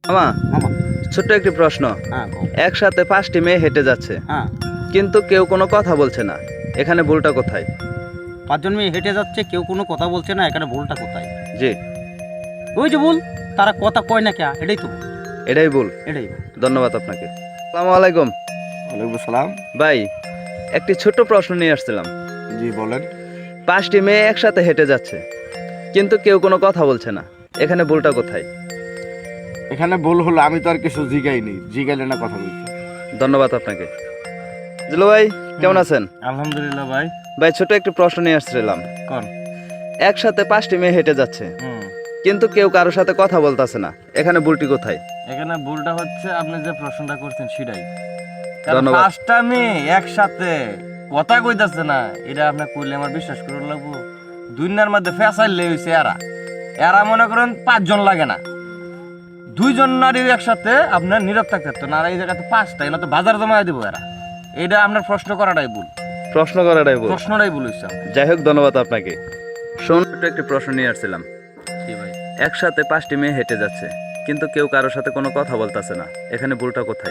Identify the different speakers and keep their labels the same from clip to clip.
Speaker 1: মামা,
Speaker 2: মামা
Speaker 1: ছোট্ট একটি প্রশ্ন।
Speaker 2: হ্যাঁ কও।
Speaker 1: একসাথে 5টি মেয়ে হেঁটে যাচ্ছে,
Speaker 2: হ্যাঁ
Speaker 1: কিন্তু কেউ কোনো কথা বলছে না, এখানে ভুলটা কোথায়?
Speaker 2: 5জন মেয়ে হেঁটে যাচ্ছে, কেউ কোনো কথা বলছে না, এখানে ভুলটা কোথায়?
Speaker 1: জি,
Speaker 2: ওই যে ভুল, তারা কথা কয় না কে, এটাই তো ভুল,
Speaker 1: এটাই ভুল।
Speaker 2: এটাই ভুল।
Speaker 1: ধন্যবাদ আপনাকে। আসসালামু আলাইকুম।
Speaker 2: ওয়ালাইকুম সালাম।
Speaker 1: ভাই, একটি ছোট্ট প্রশ্ন নিয়ে আসছিলাম।
Speaker 2: জি বলেন।
Speaker 1: 5টি মেয়ে একসাথে হেঁটে যাচ্ছে, কিন্তু কেউ কোনো কথা বলছে না, এখানে ভুলটা কোথায়?
Speaker 3: এখানে ভুল হলো, আমি তো আর কিছু জিগাইনি, জিগাইলে না কথা বলছি।
Speaker 1: ধন্যবাদ আপনাকে। জিলু ভাই, কেমন আছেন?
Speaker 2: আলহামদুলিল্লাহ ভাই।
Speaker 1: ভাই, ছোট একটি প্রশ্ন নিয়ে আসছিলাম।
Speaker 2: কোন?
Speaker 1: একসাথে 5টি মেয়ে হেঁটে যাচ্ছে, কিন্তু কেউ কারোর সাথে কথা বলতেছে না, এখানে ভুলটি কোথায়?
Speaker 4: এখানে ভুলটা হচ্ছে আপনি যে প্রশ্নটা করছেন সেটাই। কারণ
Speaker 1: ধন্যবাদ।
Speaker 4: 5টা মেয়ে একসাথে কথা কইতাছে না, এটা আপনি কইলে আমার বিশ্বাস করে লাগবো? দুনিয়ার মধ্যে ফেসাইলে হইছে এরা মনে করেন 5জন লাগে না, 2জন নারী একসাথে আপনার নীরব থাকতে পারতো না, আর এই জায়গাতে 5টা, এগুলো তো বাজার জমায় দিব এরা। এটা আপনার প্রশ্ন করাটাই ভুল,
Speaker 1: প্রশ্ন করাটাই ভুল।
Speaker 4: প্রশ্নটাই ভুল হইছে।
Speaker 1: যাই হোক, ধন্যবাদ আপনাকে। ছোট্ট একটি প্রশ্ন নিয়ে আসছিলাম।
Speaker 4: কি ভাই?
Speaker 1: একসাথে 5টি মেয়ে হেঁটে যাচ্ছে, কিন্তু কেউ কারোর সাথে কোনো কথা বলতেছে না, এখানে ভুলটা কোথায়?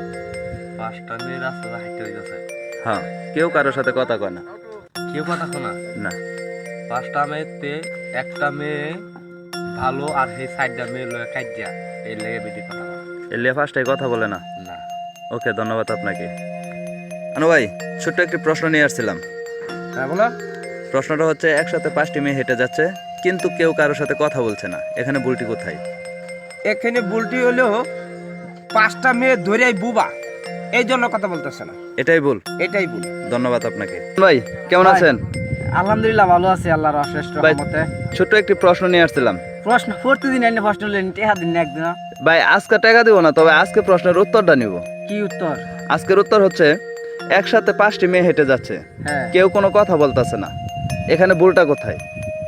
Speaker 4: 5টা মেয়ে রাস্তাতে হাঁটতে হইতেছে,
Speaker 1: হ্যাঁ, কেউ কারোর সাথে কথা কয় না।
Speaker 4: কেউ কথা শোনা
Speaker 1: না,
Speaker 4: 5টা মেয়েতে একটা মেয়ে ভালো, আর সেই 4টা মেয়ে লয়ে কাজিয়া, এই লেগে বেশি কথা বলে।
Speaker 1: এলিয়া 5টাই কথা বলে না।
Speaker 4: না।
Speaker 1: ওকে, ধন্যবাদ আপনাকে। আনু ভাই, ছোট্ট একটি প্রশ্ন নিয়ে আসছিলাম।
Speaker 2: হ্যাঁ বলো।
Speaker 1: প্রশ্নটা হচ্ছে, একসাথে 5টি মেয়ে হেঁটে যাচ্ছে, কিন্তু কেউ কারোর সাথে কথা বলছে না, এখানে ভুলটি কোথায়?
Speaker 5: এখানে ভুলটি হলো 5টা মেয়ে ধরেই বুবা, এই জন্য কথা বলতেছে না,
Speaker 1: এটাই ভুল।
Speaker 5: এটাই ভুল।
Speaker 1: ধন্যবাদ আপনাকে। ভাই, কেমন
Speaker 5: ভাই।
Speaker 1: আছেন?
Speaker 5: আলহামদুলিল্লাহ ভালো আছি, আল্লাহর অশেষ
Speaker 1: ভাই।
Speaker 5: রহমতে।
Speaker 1: ছোট্ট একটি প্রশ্ন নিয়ে আসছিলাম।
Speaker 5: প্রশ্ন প্রতিদিন এনে প্রশ্ন লেন, টেহা দিন না একদিন।
Speaker 1: ভাই, আজকে টাকা দিব না, তবে আজকে প্রশ্নের উত্তরটা নিব।
Speaker 5: কি উত্তর?
Speaker 1: আজকের উত্তর হচ্ছে, একসাথে 5টি মেয়ে হেঁটে যাচ্ছে,
Speaker 5: হ্যাঁ,
Speaker 1: কেউ কোনো কথা বলতেছে না, এখানে ভুলটা কোথায়?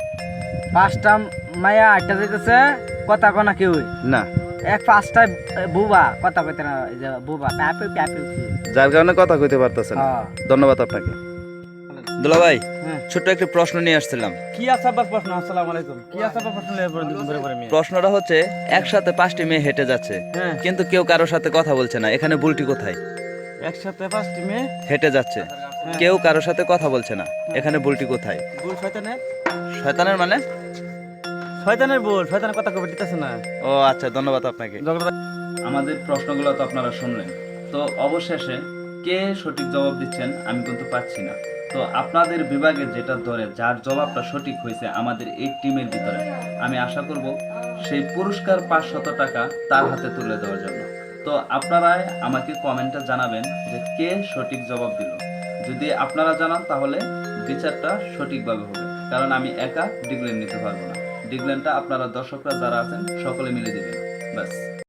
Speaker 5: 5টা মায়া আটটা যাইতেছে, কথা কনা কেউ
Speaker 1: না,
Speaker 5: 5টা বুবা, কথা কইতে না, এই যে বুবা প্যাপে প্যাপে।
Speaker 1: যার কারণে কথা কইতে পারতেছে না।
Speaker 5: হ্যাঁ।
Speaker 1: ধন্যবাদ আপনাকে। দুলা ভাই,
Speaker 5: হ্যাঁ।
Speaker 1: ছোট্ট একটি প্রশ্ন নিয়ে আসছিলাম।
Speaker 5: কি আছে আবার প্রশ্ন? আসসালামু আলাইকুম। কি আছে আবার প্রশ্ন লয়ে পড়ে দিন ধরে মেয়ে?
Speaker 1: প্রশ্নটা হচ্ছে, একসাথে 5টি মেয়ে হেঁটে যাচ্ছে,
Speaker 5: হ্যাঁ,
Speaker 1: কিন্তু কেউ কারোর সাথে কথা বলছে না, এখানে ভুলটি কোথায়?
Speaker 5: একসাথে 5টি মেয়ে,
Speaker 1: হেঁটে যাচ্ছে, কেউ কারোর সাথে কথা বলছে না, এখানে ভুলটি কোথায়?
Speaker 5: ভুল শয়তানের,
Speaker 1: শয়তানের মানে?
Speaker 5: শয়তানের ভুল, শয়তানের কথা কবে দিতেছে না।
Speaker 1: ও আচ্ছা, ধন্যবাদ আপনাকে। আমাদের প্রশ্নগুলো তো আপনারা শুনলেন, তো অবশেষে কে সঠিক জবাব দিচ্ছেন আমি কিন্তু পাচ্ছি না। তো আপনাদের বিভাগে যেটা ধরে যার জবাবটা সঠিক হয়েছে আমাদের এই টিমের ভিতরে, আমি আশা করব সেই পুরস্কার 500 টাকা তার হাতে তুলে দেওয়ার জন্য। তো আপনারাই আমাকে কমেন্টে জানাবেন যে কে সঠিক জবাব দিল। যদি আপনারা জানান তাহলে বিচারটা সঠিকভাবে হবে, কারণ আমি একা ডিগ্লেন নিতে পারবো না। ডিগ্লেনটা আপনারা দর্শকরা যারা আছেন সকলে মিলে দিবেন, ব্যাস।